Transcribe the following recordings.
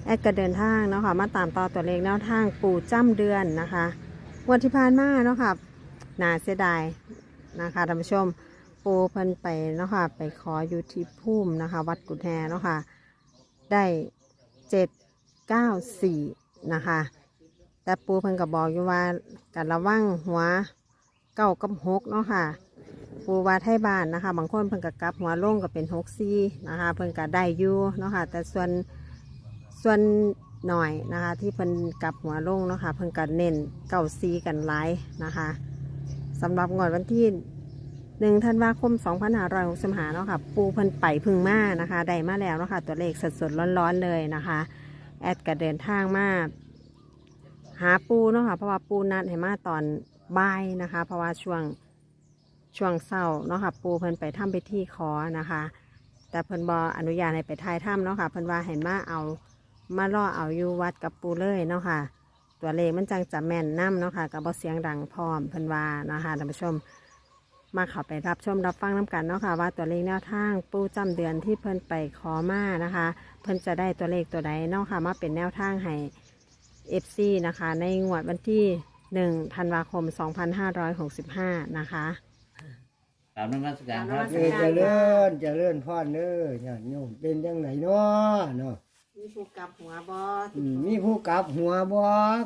แอดก็เดินทางเนาะค่ะมาตามต่อตัวเลขแนวทางปู่จ้ำเดือนนะคะงวดที่ผ่านมาเนาะค่ะน่าเสียดายนะคะท่านผู้ชมปู่เพิ่นไปเนาะค่ะไปขออยู่ที่ภูมินะคะวัดกุฎแฮเนาะค่ะได้794นะคะแต่ปู่เพิ่นก็บอกอยู่ว่าการระวังหัวเก้ากับ6เนาะค่ะปู่ว่าไทยบ้านนะคะบางคนเพิ่นก็กลับหัวลงก็เป็น64นะคะเพิ่นก็ได้อยู่เนาะค่ะแต่ส่วนหน่อยนะคะที่เพิ่นกลับหัวลงเนาะค่ะเพิ่นก็เน้นเก้าซีกันหลายนะคะสำหรับงวดวันที่1 ธันวาคม 2565เนาะค่ะปูเพิ่นไปพึ่งมานะคะได้มาแล้วเนาะค่ะตัวเลขสดๆร้อนๆเลยนะคะแอดก็เดินทางมาหาปูเนาะค่ะเพราะว่าปูนัดให้มาตอนบ่ายนะคะเพราะว่าช่วงเช้าเนาะค่ะปูเพิ่นไปทำพิธีขอนะคะแต่เพิ่นบ่อนุญาตให้ไปถ่ายถ้ำเนาะค่ะเพิ่นว่าให้มาล่อเอาอยู่วัดกับปูเลยเนาะค่ะตัวเลขมันจังจะแม่นน้ำเนาะค่ะกับบ่เสียงดังพร้อมเพิ่นว่านะคะท่านผู้ชมมาเข้าไปรับชมรับฟังน้ำกันเนาะค่ะว่าตัวเลขแนวทางปูจำเดือนที่เพิ่นไปขอมานะคะเพิ่นจะได้ตัวเลขตัวใดเนาะค่ะมาเป็นแนวทางให้ FC นะคะในงวดวันที่1 ธันวาคม 2565นะคะตามนมัสการคครัรับ บเจริญพรเด้อญาติโยมเป็นจังไดเนาะมีผู้กลับหัวบอมีผู้กลับหัวบ่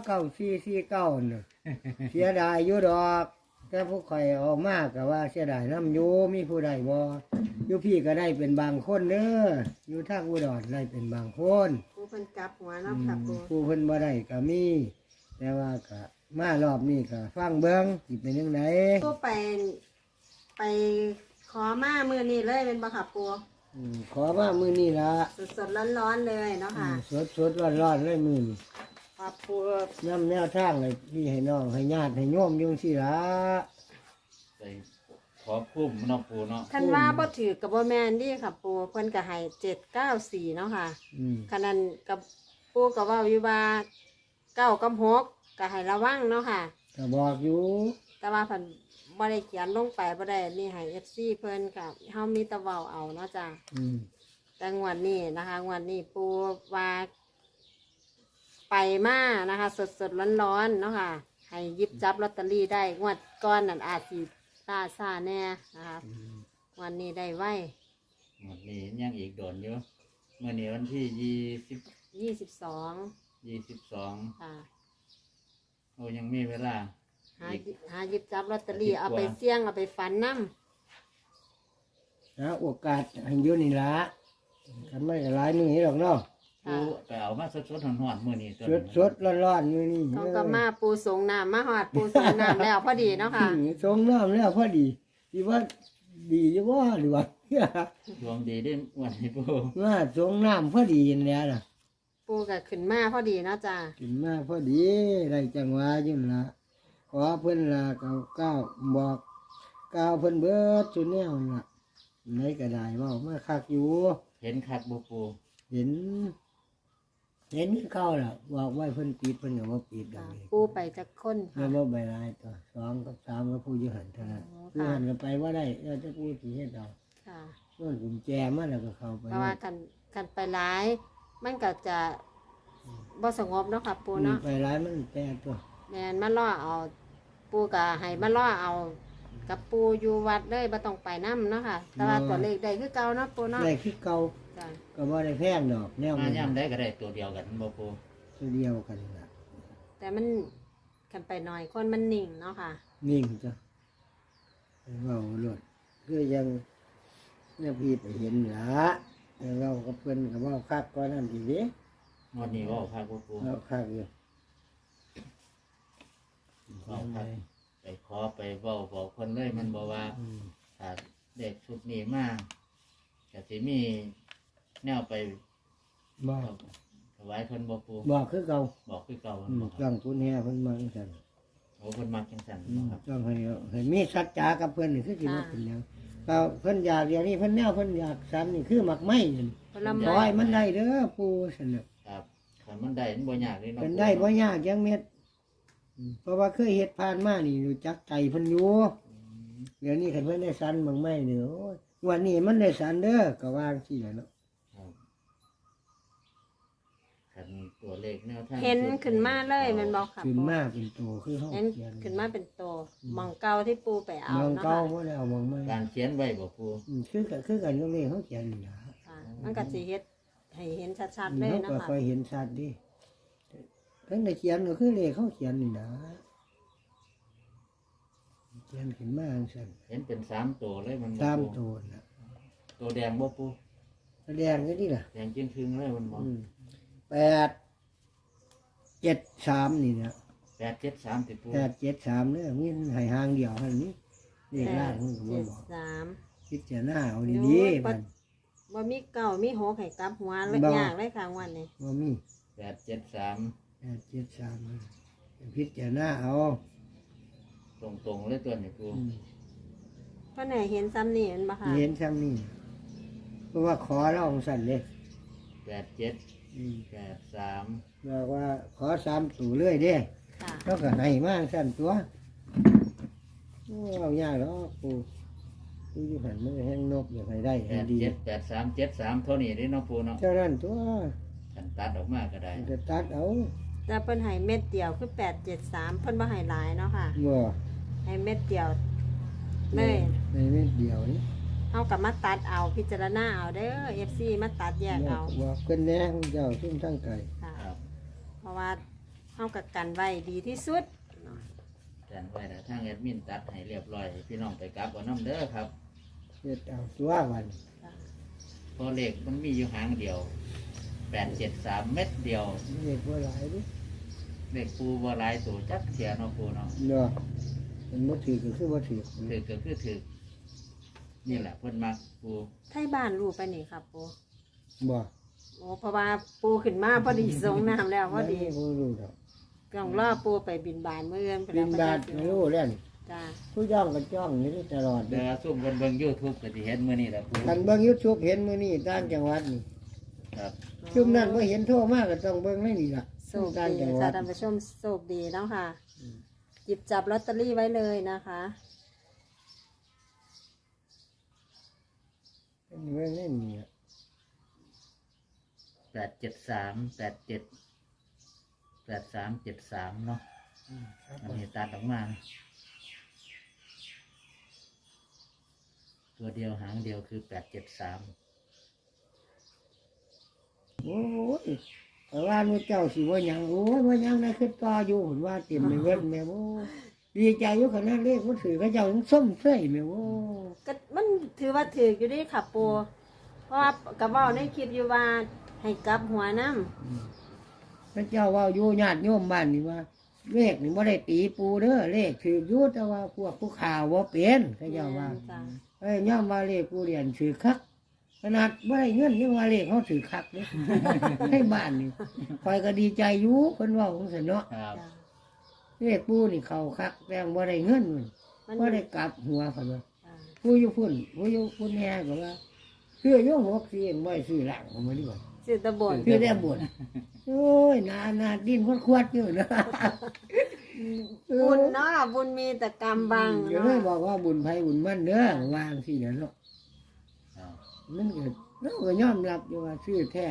9449น่ะ เสียดายอยู่ดอก แต่ผู้ข่อยออกมากก็ว่าเสียดายน้ำอยู่มีผู้ใดบ่อยู่พี่ก็ได้เป็นบางคนเด้ออยู่ทางอุดรได้เป็นบางคนผู้เพิ่นกลับหัวเนาะค่ะปูผู้เพิ่นบ่ได้ก็มี แต่ว่าก็มารอบนี้ก็ฟังเบิ่งสิเป็นจังไดปูไปขอมามือนี้เลยเป็นบ่ค่ะปูขอมามื้อนี้ล่ะสดๆร้อนๆเลยเนาะค่ะสดๆร้อนๆเลยมื้อนี้ขอบปูน้ำแนวทางเลยพี่ให้น้องให้ญาติให้โยมอยุ่จั่งสิละไปขอพุ่มเนาะปูเนาะคันว่าบ่ถือกับบ่แม่นดิค่ะปูเพิ่นก็ให้794เนาะค่ะคันนั้นกับปูก็เว้าอยู่ว่า9กับ6ก็ให้ระวังเนาะค่ะก็บอกอยู่แต่ว่าเพิ่นบ่ได้เขียนลงไปบ่ได้นี่ให้ FC เพิ่นก็เฮามีแต่เว้าเอาเนาะจ้ะ แต่งวดนี้นะคะงวดนี้ปูว่าไปมานะคะสดร้อนๆเนาะค่ะให้หยิบจับลอตเตอรี่ได้งวดก้อนนั่นอาจสิล่าซ่าแน่นะคะวันนี้ได้ไว้วันนี้ยังอีกโดนอยู่เมื่อนี้วันที่22 ค่ะโอ้ยังมีเวลาหาหยิบจับลอตเตอรี่เอาไปเสี่ยงเอาไปฝันน้นะโอกาสให้อยุ่นี่ละกันไม่หลายมือหรอกเนาะำปูค่ะไปเอามาสดๆหอนๆมื้อนี้ตัวสดร้อนๆมือนี่ต้องก็มาปูสงน้ำมาหอดปูสงน้ำแล้วพอดีเนาะค่ะสงน้ำแล้วพอดีที่ว่าดีจะว่าหรือว่าดวงดีได้วันนี้ปูว่าสงน้ำพอดีอย่างนี้ล่ะปูก็ขึ้นมาพอดีเนาะจ้ากินมาพอดีได้จังหวะอยุ่นละขอเพิ่นละก้าวบอกก้าวเพิ่นเบิดจุดแนวนั่นล่ะไหนก็ได้เว่ามาคักอยู่เห็นคักบ่ปูเห็นคือเข้าล่ะบอกไว้เพิ่นปิดเพิ่นก็บ่ปิดดอกนี่ปูไปจากคนแล้ค่ะวบ่ใบลายตัว2กับ3ก็ผู้อยู่หันเท่านั้นอ๋อผู้ค่ะหันก็ไปว่าได้แล้วจะผู้สิเฮ็ดเอาค่ะส่วนกุญแจมาแล้วก็เข้าไปเพราะว่ากันไปร้าย มันก็จะบ่สงบเนาะค่ะปูเนาะไปร้ายมันแปรตัวแม่นมาล่อเอา ปูก็ให้มาล่อเอา กับปูอยู่วัดเลยบ่ต้องไปน้ำเนาะค่ะ แต่ว่าตัวเลขได้คือเก่าเนาะปูเนาะได้คือเก่าจ้ะก็บ่ได้แพงดอกแนวมามันย่ำได้ก็ได้ตัวเดียวกันบ่ปูตัวเดียวกันล่ะแต่มันกันไปหน่อยคนมันนิ่งเนาะค่ะนิ่งจ้ะเว้าโลดคือยังเนี่ยพี่ไปเห็นล่ะแต่เราก็เพิ่นก็เว้าคักกว่านั้นอีกเด้งวดนี้เว่าคักบ่ปูเว้าคักอยู่เว้าคักไปขอไปเว้าบอกเพิ่นเลยมันบอกว่า ถ้าเด็กชุดนี้มาก็สิมีแนวไปบอกถวายเพิ่นบ่ปูบอกคือเก่าบอกคือเก่าอืมบ่คต้รัอบ งทุนแห่เพิ่นมาจังซั่นโอ้เพิ่นมักจังซั่นบ่ครับต้องให้มีสัจจากับเพิ่นนี่คือสิมาเป็นหยังก็เพิ่นอยากอย่างนี้เพิ่นแนวเพิ่นอยากสันนี่คือหมักไม้นั่นผลขไม้อให้มันได้เด้อปู่ซั่นน่ะครับคันมันได้มันบ่ยากเลยเนาะเพิ่นได้บ่ยากจังเม็ดเพราะว่าเคยเฮ็ดผ่านมานี่รู้จักใจเพิ่นอยู่เดี๋ยวนี้คันเพิ่นได้สันหมักไม้นี่โอ้ยวันนี้มันได้สันเด้อก็ว่าจังซี่แหละเนาะครับคันตัวเลขแนวทางเห็นขึ้นมาเลยแมันบอกค่ะขึ้นปูมาเป็นตัวคือเขาเห็นเขียนขึ้นมาเป็นโตหมองเก่าที่ปูไปเอามองเนาะเก้าค่ะบ่ได้เอามองไม่การเขียนไว้บ่ปูคือกันก็เลยเขาเขียนนี่นะค่ะมันก็สิเฮ็ดให้เห็นชัดๆเลยเขานะก็คะคอยเห็นชัดดิทั้งในเขียนก็คือเลขเขาเขียนนี่นะเขียนขึ้นมาจังซั่นเห็นเป็น3ตัวเลยมันบ่ตามปูตัวน่ะตัวแดงบ่ปูแสดงก็นี่ล่ะแดงจิ้งครึ่งเลยมันบ่ 873นี่นะ 873ติปู 873เนี่ยมีให้หางเดียวเท่านี้เลขล่างมันก็บ่เจ็ดบอกสามพิจารณาเอาดีๆมันว่ามีเก่ามีหกให้กลับหัวเลยบ่ยากเลยค่ะวันนี้ว่ามี 873 873พิจารณาเอาตรงๆเลยตัวนี้ปูเพราะไหนเห็นซ้ำนี่มันบ่ค่ะเห็นซ้ำนี่เพราะว่าขอเราของสั่นเลย 87 83 บอกว่าขอ3ตัวเลยเด้ค่ะแล้วก็ให้มากสั่นตัวโอ้เอายากแล้วปูดูอยู่หันมือแห้งนกอยากให้ได้ให้ดี 87 83 เท่านี้เด้เนาะปูเนาะเท่านั้นตัวคันตัดออกมาก็ได้จะตัดเอาแต่เพิ่นให้เม็ดเดียวคือ873เพิ่นบ่ให้หลายเนาะค่ะบ่ให้เม็ดเดียวเลยในเม็ดเดียวนี่เอากับมาตัดเอาพิจารณาเอาเด้อ FC มาตัดแยกเอาบอกเพิ่นแหน่ของเจ้าซุ่มทั้งไก่ค่ะครับเพราะว่าเฮากับกันไว้ดีที่สุดเนาะแต่ไว้แต่ทางแอดมินตัดให้เรียบร้อยให้พี่น้องไปกลับเอาน้ำเด้อครับเฮ็ดเอาตัววันค่ะเพราะเลขมันมีอยู่หางเดียว873เม็ดเดียวเฮ็ดบ่หลายดิเลขปูบ่หลายตัวจักเสียเนาะปูเนาะเนาะมันบ่ถือก็คือบ่ถือถือก็คือถือนี่แหละเพิ่นมักปูไทยบ้านรู้ไปนี่ครับปูบ่โอ้เพราะว่าปูขึ้นมาพอดีสงน้ำแล้วพอดีบ่รู้ดอกต้องรอปูไปบินบานเมื่อเอื้อนไปบินบาทแล้วไม่รู้แล้วนี่จ้าผู้ย่องก็จ้องอยู่นี่ตลอดเดี๋ยวซุ่มเบิ่ง YouTube ก็สิเห็นมื้อนี้แหละปูคันเบิ่ง YouTube เห็นมื้อนี้ต่างจังหวัดนี่ครับชุมนั้นบ่เห็นโทรมาก็ต้องเบิ่งในนี่ล่ะโชคต่างดีจังหวัค่ะดท่านผู้ชมโชคดีเนาะค่ะหยิบจับลอตเตอรี่ไว้เลยนะคะเบิ่งในนี่ล่ะ 873 87 8373เนาะอันนี้ตัดออกมาตัวเดียวหางเดียวคือ873 โอ้ยแต่ว่ามื้อเจ้าสิว่าหยังโอ้ยว่าหยังได้ขึ้นต่ออยู่เห็นว่าเต็มไปเบิดแม่โอ้ดีใจอยู่ขนาดเลขมันถือเขาเจ้ายังส้มเฟ้ยแม่โอ้ก็มันถือว่าถืออยู่ดีค่ะปูเพราะว่ากับว่าในคลิปอยู่ว่าให้กลับหัวน้ำพระเจ้าว่าอยู่ญาติโยมบ้านนี่ว่า เลขนี่บ่ได้ตีปูเด้อเลขถืออยู่แต่ว่าพวกผู้ข่าวบ่เป็นเขาเจ้าว่าจ้ะย่อมว่าเลขผู้เรียนถือคักขนาดบ่ได้เงินยังว่าเลขเขาถือคักเลย ให้บ้านนี่คอยก็ดีใจอยู่เพิ่นเว่าของเสนเนาะครับจ้ะเลขผู้นี่เขาคักแต่บ่ได้เงินมันมันบ่ได้กลับหัวเพิ่นว่าจ้ะผู้อยู่พุ่นผู้อยู่พุ่นแห่ก็ว่าซื้ออยู่6เองบ่ได้ซื้อหลังของมันดีกว่าสิตะบนซื้อได้บ่นโอ้ยนาดิ้นควดๆอยู่นะบุญเนาะบุญมีแต่กรรมบังเดี๋ยวเนาะเลยบอกว่าบุญไผบุญมันเด้อวางสิเด้อเนาะครับมันก็เราก็ยอมรับอยู่ว่าซื้อแท้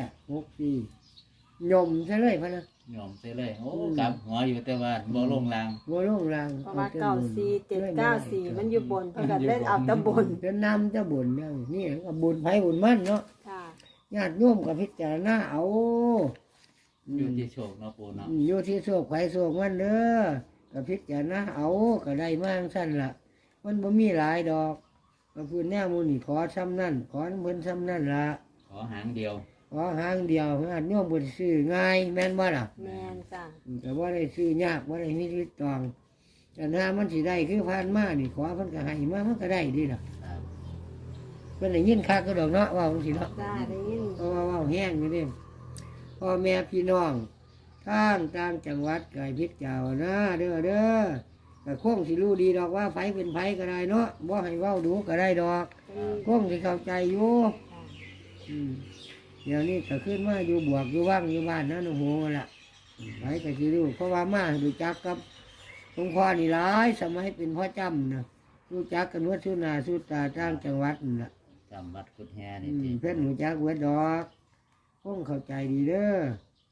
64ยมซะเลยพะนะยอมไปเลยโอ้กลับหัวอยู่แต่ว่าบ่ลงรางบ่ลงรางเพราะว่า94 794มันอยู่บนเพิ่นก็เล่นเอาแตะบนจะนำจะบุญอย่างนี้ก็บุญไผบุญมันเนาะค่ะญาติโยมก็พิจารณาเอาอยู่ที่โชคเนาะปูเนาะอยู่ที่โชคไผโชคมันเด้อก็พิจารณาเอาก็ได้มาจั่งซั่นล่ะ มันบ่มีหลายดอกก็พูดแนวหมู่นี่ขอซ้ำนั่นขอเพิ่นซ้ำนั่นล่ะขอหางเดียวขอหางเดียวญาติโยมบ่ได้ซื้อง่ายแม่นบ่ล่ะแม่นจ้ะแต่ว่าได้ซื้อยากว่าได้มีชีวิตตองแต่ถ้ามันสิได้คือผ่านมานี่ขอเพิ่นก็ให้มามันก็ได้ดีล่ะครับเพิ่นได้ยินคักก็ดอกเนาะว่าจังซี่เนาะจ้าได้ยินเพราะว่าแห้งอยู่เด้พ่อแม่พี่น้องทางต่างจังหวัดไก่พิษเจ้านะเด้อเด้อแต่คงสิรู้ดีดอกว่าไผเป็นไผก็ได้เนาะบ่ให้เว้าดูก็ได้ดอกคงสิเข้าใจอยู่อืมเดี๋ยวนี้ก็ขึ้นมาอยู่บวกอยู่ว่างอยู่บ้านนะโอ้โหล่ะไผก็สิรู้เพราะว่ามาดูจักกับหลวงพ่อนี่หลายสมัยเป็นพ่อจำนะรู้จักกันวัดสุนาสุตาต่างจังหวัดนั่นล่ะจำวัดกุดแฮนี่ที่เพื่อนหนูจักเวดดอกคงเข้าใจดีเด้อ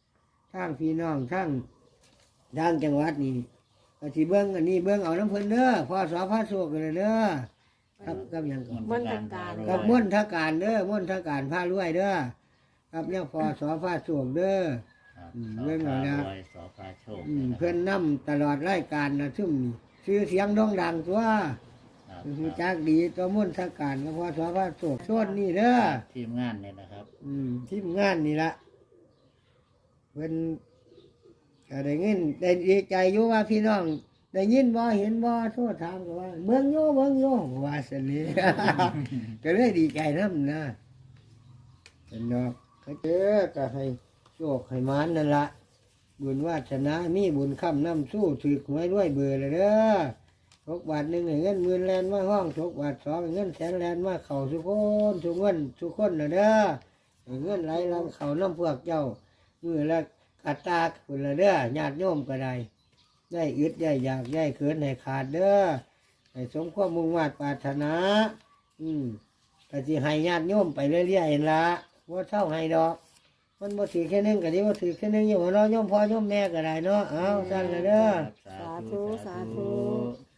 ทางพี่น้องทางจังหวัดนี่ก็สิเบิ่งอันนี้เบิ่งเอาน้ำเพิ่นเด้อพอสอพาโชคกันเลยเด้อครับหยังก่อนมนตการกับม่วนทการเด้อม่วนทการพารวยเด้อครับเนี่ยพอสอพาโชคเด้อครับเรื่องอะไรนะสอสอพาโชคเพิ่นนำตลอดรายการนะซึ่งชื่อเสียงโด่งดังตัวครับคือจักดีตัวม่วนทการกับพอสอพาโชคส่วนนี่เด้อทีมงานเนี่ยนะครับทีมงานนี่ละเพิ่นก็ได้เงินได้ดีใจอยู่ว่าพี่น้องได้ยินบ่เห็นบ่โทษถามก็ว่าเบิ่งโยว่าสนิ ก็เลยดีใจนำนะเป็นดอกก็เจอก็ให้โชคให้มานนั่นละบุญวาสนามีบุญค้ำน้ำสู้ถือหวยด้วยเบื่อเลยเด้อทุกบาทหนึ่งให้เงินหมื่นแลนมาห้องทุกบาทสองให้เงินแสนแลนมาเข่าสุกคนทุกเงินทุกคนนะเด้อให้เงินไหลลำเข่าน้ำพวกเจ้ามือละกัดตาคุณละเด้อญาติโยมก็ได้อึดได้อยากได้เขินให้ขาดเด้อให้สมความมุ่งมั่นปรารถนาก็สิให้ญาติโยมไปเรื่อยๆละว่าเท่าให้ดอกมันบ่ถือแค่นึงก็ดีว่าถือแค่นึงอยู่ว่าเราะโยมพ่อโยมแม่ก็ได้เนาะเอาสั่นละเด้อสาธุสาธุสาธุ